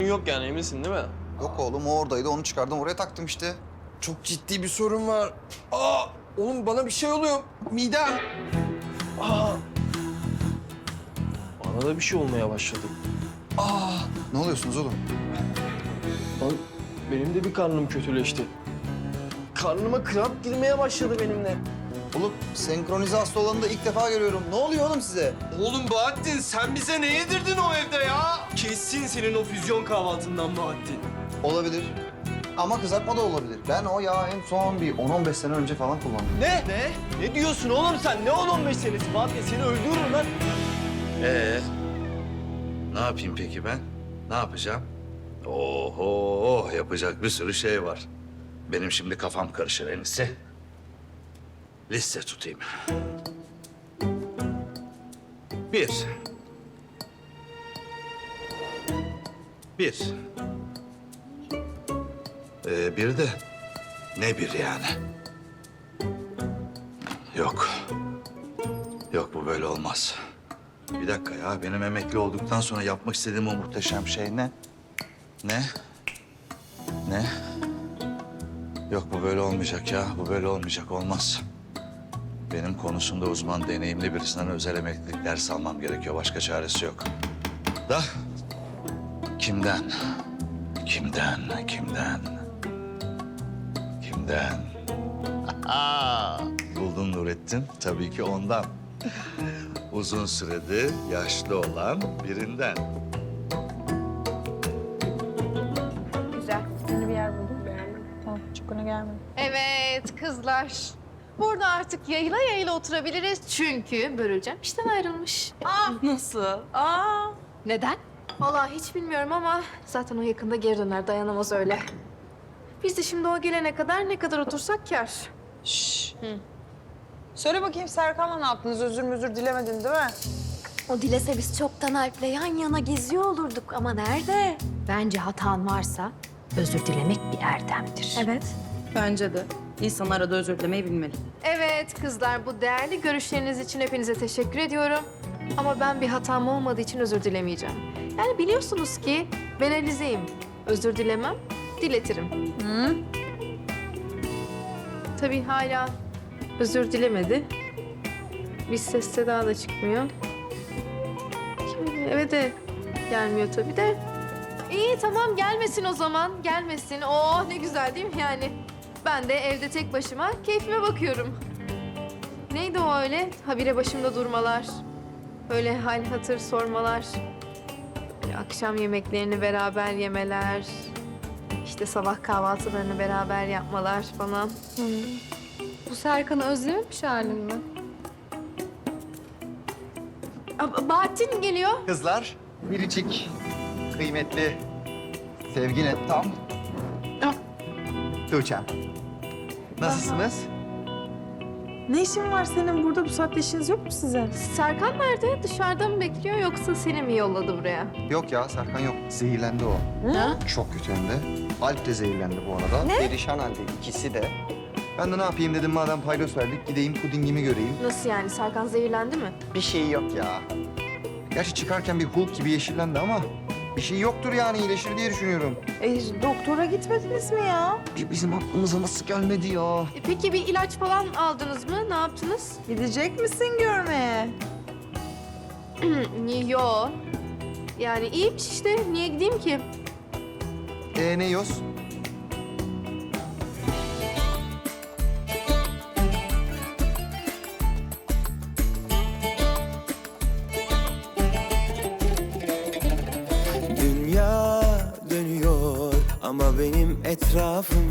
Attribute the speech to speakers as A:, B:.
A: yok yani, eminsin değil mi?
B: Yok oğlum, o oradaydı. Onu çıkardım, oraya taktım işte.
C: Çok ciddi bir sorun var. Aa, oğlum bana bir şey oluyor. Midem. Aa,
A: Bana da bir şey olmaya başladı.
B: Ne oluyorsunuz oğlum?
A: Lan benim de bir karnım kötüleşti. Karnıma kramp girmeye başladı benim de.
B: Oğlum, senkronize hasta olanı da ilk defa görüyorum. Ne oluyor oğlum size?
C: oğlum Bahattin sen bize ne yedirdin o evde ya? Kesin senin o füzyon kahvaltından Bahattin.
B: Olabilir. Ama kızartma da olabilir. Ben o yağı en son bir 10-15 sene önce falan kullandım.
A: Ne? Ne diyorsun oğlum sen? Ne 10-15 senesi? Bahattin seni öldürürüm lan.
D: Ne yapayım peki ben? Ne yapacağım? Oho, yapacak bir sürü şey var. Benim şimdi kafam karışır en iyisi. Liste tutayım. 1. 1. Bir de ne bir yani? Yok. Yok, bu böyle olmaz. Bir dakika ya, benim emekli olduktan sonra yapmak istediğim o muhteşem şey ne? Ne? Ne? Yok, bu böyle olmayacak ya, bu böyle olmayacak, olmaz. Benim konusunda uzman, deneyimli birisinden özel emeklilik ders almam gerekiyor. Başka çaresi yok. Da kimden? Kimden? Kimden? Kimden? Buldun Nurettin. Tabii ki ondan. Uzun süredir yaşlı olan birinden.
E: Güzel. Yeni bir yer buldum. Beğendim. Tamam, çok öne gelmedi.
F: Evet kızlar. Burada artık yayla yayla oturabiliriz çünkü Börülcem işten ayrılmış.
E: Nasıl? Aa.
F: Neden? Vallahi hiç bilmiyorum ama zaten o yakında geri döner, dayanamaz öyle. Biz de şimdi o gelene kadar ne kadar otursak kâr.
E: Şşş. Söyle bakayım Serkan'la ne yaptınız? Özür dilemedin değil mi?
G: O dilese biz çoktan Alp'le yan yana geziyor olurduk ama nerede?
F: Bence hatan varsa özür dilemek bir erdemdir.
G: Evet.
E: Bence de. İnsan arada özür dilemeyi bilmeli.
F: Evet kızlar, bu değerli görüşleriniz için hepinize teşekkür ediyorum. Ama ben bir hatam olmadığı için özür dilemeyeceğim. Yani biliyorsunuz ki ben Alize'yim. Özür dilemem, diletirim.
E: Hı?
F: Tabii hala özür dilemedi. Bir ses seda da çıkmıyor. Eve de gelmiyor tabii de. İyi tamam, gelmesin o zaman, gelmesin. Oh ne güzel değil mi yani? Ben de evde tek başıma keyfime bakıyorum. Neydi o öyle? Habire başımda durmalar. Öyle hal hatır sormalar. Böyle akşam yemeklerini beraber yemeler. İşte sabah kahvaltılarını beraber yapmalar falan.
G: Bu Serkan'ı özlememiş halin mi?
F: Bahattin geliyor.
B: Kızlar, biricik, kıymetli, sevgi net tam. Tuğçe'm. Nasılsınız?
E: Ne işin var senin burada? Bu saatte işiniz yok mu size?
F: Serkan nerede? Dışarıda mı bekliyor yoksa seni mi yolladı buraya?
B: Yok ya, Serkan yok. Zehirlendi o.
F: Ha?
B: Çok kötü hem de. Alp de zehirlendi bu arada. Ne? Perişan halde ikisi de. Ben de ne yapayım dedim, madem paydos verdik, gideyim pudingimi göreyim.
F: Nasıl yani? Serkan zehirlendi mi?
B: Bir şey yok ya. Gerçi çıkarken bir Hulk gibi yeşillendi ama bir şey yoktur yani, iyileşir diye düşünüyorum.
E: Doktora gitmediniz mi ya?
B: Bizim aklımıza nasıl gelmedi ya?
F: Peki bir ilaç falan aldınız mı? Ne yaptınız?
E: Gidecek misin görmeye?
F: Yo. Yani iyiymiş işte. Niye gideyim ki?
B: Ne yiyoruz?
H: Dünya dönüyor ama benim etrafım